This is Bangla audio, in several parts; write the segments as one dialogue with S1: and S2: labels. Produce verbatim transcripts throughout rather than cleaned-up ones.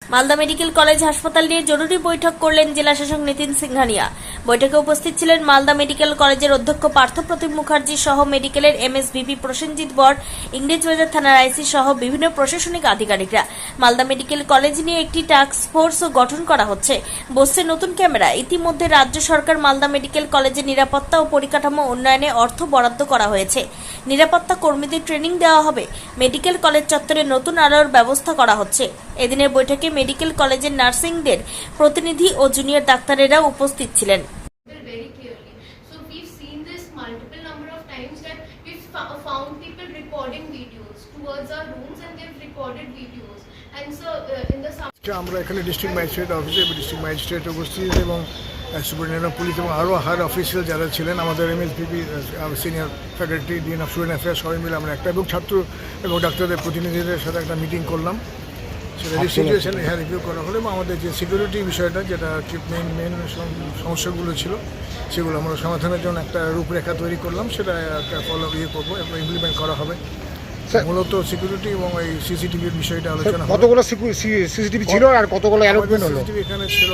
S1: মালদা মেডিকেল কলেজ হাসপাতাল নিয়ে জরুরি বৈঠক করলেন জেলা শাসক নিতিন সিংহানিয়া। বৈঠকে উপস্থিত ছিলেন মালদা মেডিকেল কলেজের অধ্যক্ষ পার্থপ্রতিম মুখার্জি সহ মেডিকেলের এমএসভিপি প্রসেনজিৎ বর, ইংরেজবাজার থানার আইসি সহ বিভিন্ন প্রশাসনিক আধিকারিকরা। মালদা মেডিকেল কলেজ নিয়ে একটি টাস্ক ফোর্সও গঠন করা হচ্ছে, বসছে নতুন ক্যামেরা। ইতিমধ্যে রাজ্য সরকার মালদা মেডিকেল কলেজের নিরাপত্তা ও পরিকাঠামো উন্নয়নে অর্থ বরাদ্দ করা হয়েছে। নিরাপত্তা কর্মীদের ট্রেনিং দেওয়া হবে। মেডিকেল কলেজ চত্বরে নতুন আলোর ব্যবস্থা করা হচ্ছে। এদিনের বৈঠকে মেডিকেল কলেজের নার্সিংদের প্রতিনিধি ও জুনিয়র ডাক্তারেরা উপস্থিত ছিলেন।
S2: Very clearly. So we've seen this multiple number of times that we've fo- found people recording videos towards our rooms and they've recorded videos. And so uh, in the sum-
S3: আমরা এখানে ডিস্ট্রিক্ট ম্যাজিস্ট্রেট অফিসে ডিস্ট্রিক্ট ম্যাজিস্ট্রেট উপস্থিত এবং সুপারিনটেন্ডেন্ট পুলিশ এবং আরও হায়ার অফিসিয়াল যারা ছিলেন, আমাদের MSPP senior faculty, dean of student affairs, সবাই মিলে আমরা একটা এবং ছাত্র এবং ডাক্তারদের প্রতিনিধিদের সাথে একটা মিটিং করলাম। সেটা সিচুয়েশন হ্যাঁ রিভিউ করা হলো এবং আমাদের যে সিকিউরিটি বিষয়টা, যেটা মেন মেন সমস্যাগুলো ছিল, সেগুলো আমরা সমাধানের জন্য একটা রূপরেখা তৈরি করলাম। সেটা একটা ফলো ইয়ে করবো এবং ইমপ্লিমেন্ট করা হবে। মূলত সিকিউরিটি এবং এই সিসিটিভির বিষয়টা আলোচনা হবে।
S4: কতগুলো সিসিটিভি ছিল আর কতগুলো অ্যালটমেন্ট হলো?
S3: সিসিটিভি এখানে ছিল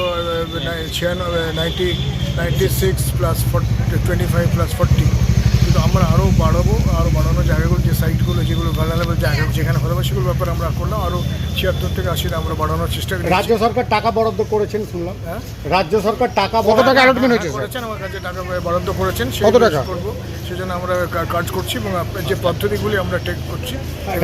S3: ninety ninety six plus twenty five plus forty, কিন্তু আমরা আরও বাড়াবো। আরও বাড়ানোর জায়গাগুলো, যে সাইটগুলো যেগুলো ভালনারেবল জায়গা যেখানে হতে হবে, সেগুলোর ব্যাপারে আমরা করলাম। আরও ছিয়াত্তর থেকে আশিটা আমরা বাড়ানোর চেষ্টা করি।
S4: রাজ্য সরকার টাকা বরাদ্দ করেছেন শুনলাম। হ্যাঁ, রাজ্য সরকার টাকা কত টাকা অ্যালটমেন্ট হয়েছে
S3: করেছেন, আমার কাছে টাকা বরাদ্দ করেছেন।
S4: কত টাকা
S3: করবো সেজন্য আমরা কাজ করছি এবং যে পদ্ধতিগুলি আমরা টেক করছি।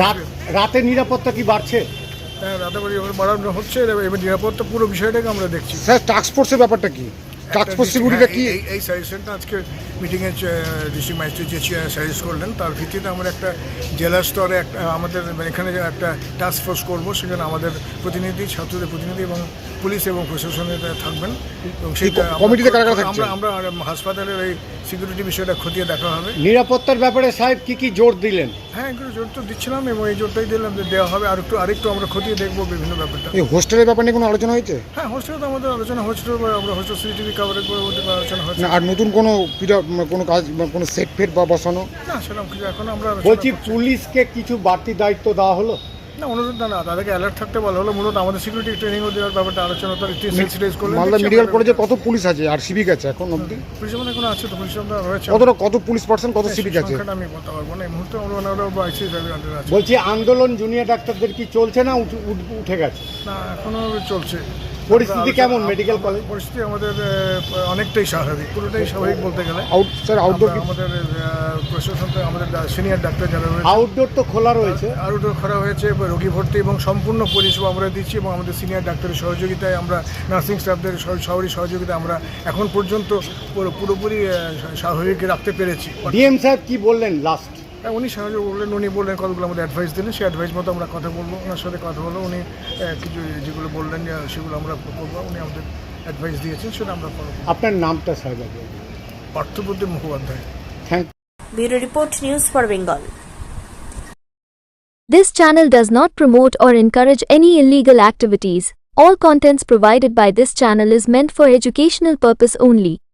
S4: রাতে নিরাপত্তা কি বাড়ছে?
S3: হ্যাঁ, রাতে বাড়ানো হচ্ছে এবং নিরাপত্তা পুরো বিষয়টাকে আমরা দেখছি।
S4: স্যার, টাস্ক ফোর্সের ব্যাপারটা কি? টাস্ক ফোর্স সিকিউরিটিটা কি?
S3: এই সাজেশনটা আজকে মিটিংয়ে ডিস্ট্রিক্ট ম্যাজিস্ট্রেট যে সাজেস্ট করলেন, তার ভিত্তিতে আমরা একটা জেলা স্তরে একটা আমাদের এখানে একটা টাস্ক ফোর্স করবো। সেখানে আমাদের প্রতিনিধি, ছাত্রদের প্রতিনিধি এবং পুলিশ এবং প্রশাসনের থাকবেন এবং সেইটা
S4: কমিটিতে কারা কারা থাকছে?
S3: আমরা আমরা হাসপাতালের এই সিকিউরিটি বিষয়টা খতিয়ে দেখা হবে।
S4: নিরাপত্তার ব্যাপারে সাহেব কি কি জোর দিলেন?
S3: হ্যাঁ, এগুলো জোর তো দিচ্ছিলাম এবং এই জোরটাই দিলাম যে দেওয়া হবে। আর একটু আরেকটু আমরা খতিয়ে দেখবো বিভিন্ন ব্যাপারটা।
S4: এই হোস্টেলের ব্যাপারে নিয়ে কোনো আলোচনা হয়েছে?
S3: হ্যাঁ, হোস্টেলে তো আমাদের আলোচনা হচ্ছিল, আমরা হোস্টেল সিসিটিভি কভারেজ করে আলোচনা হচ্ছে।
S4: আর নতুন কোনো কোনো কাজ, কোনো সেট ফেট বা বসানো?
S3: না, সেরকম কিছু এখন আমরা
S4: বলছি, পুলিশকে কিছু বাড়তি দায়িত্ব দেওয়া হলো?
S3: না, অনুরোধ না, তাদেরকে অ্যালার্ট থাকতে বলা হলো। মূলত আমাদের সিকিউরিটি ট্রেনিংও দেওয়ার ব্যাপারটা আলোচনা তো সেন্সিটাইজ করলেন।
S4: মালদা মেডিকেল কলেজে কত পুলিশ আছে আর সিভিক আছে এখন অবধি?
S3: পুলিশ মানে কোনো আছে তো, পুলিশ আমরা রয়েছে।
S4: কতটা কত পুলিশ পার্সন, কত সিভিক আছে?
S3: আমি বলতে পারবো না এই মুহূর্তে। আমরা আইসি সাহেবের আন্ডারে আছে।
S4: বলছি, আন্দোলন জুনিয়র ডাক্তারদের কি চলছে না উঠে গেছে?
S3: না, এখনো চলছে।
S4: পরিস্থিতি কেমন মেডিকেল কলেজ?
S3: পরিস্থিতি আমাদের অনেকটাই স্বাভাবিক, পুরোটাই স্বাভাবিক বলতে গেলে।
S4: আউট স্যার, আউটডোর
S3: আমাদের প্রশাসন, আমাদের সিনিয়র ডাক্তার যারা রয়েছে,
S4: আউটডোর তো খোলা রয়েছে।
S3: আউটডোর খোলা হয়েছে, রোগী ভর্তি এবং সম্পূর্ণ পরিষেবা আমরা দিচ্ছি এবং আমাদের সিনিয়র ডাক্তারের সহযোগিতায়, আমরা নার্সিং স্টাফদের সবারই সহযোগিতায় আমরা এখন পর্যন্ত পুরোপুরি স্বাভাবিক রাখতে পেরেছি।
S4: ডিএম সাহেব কি বললেন লাস্ট?
S3: হ্যাঁ, উনি সাহায্য করলেন, উনি বললেন কতগুলো আমাদের অ্যাডভাইস দিলেন। সেই অ্যাডভাইস মতো আমরা কথা বলবো, ওনার সাথে কথা বলবো। উনি কিছু যেগুলো বললেন সেগুলো আমরা করবো। উনি আমাদের অ্যাডভাইস দিয়েছেন, সেটা আমরা করবো।
S4: আপনার নামটা সাহেব?
S3: Parthapratim Mukhopadhyay.
S4: Thank
S1: bureau report, news for Bengal.
S5: This channel does not promote or encourage any illegal activities. All contents provided by this channel is meant for educational purpose only.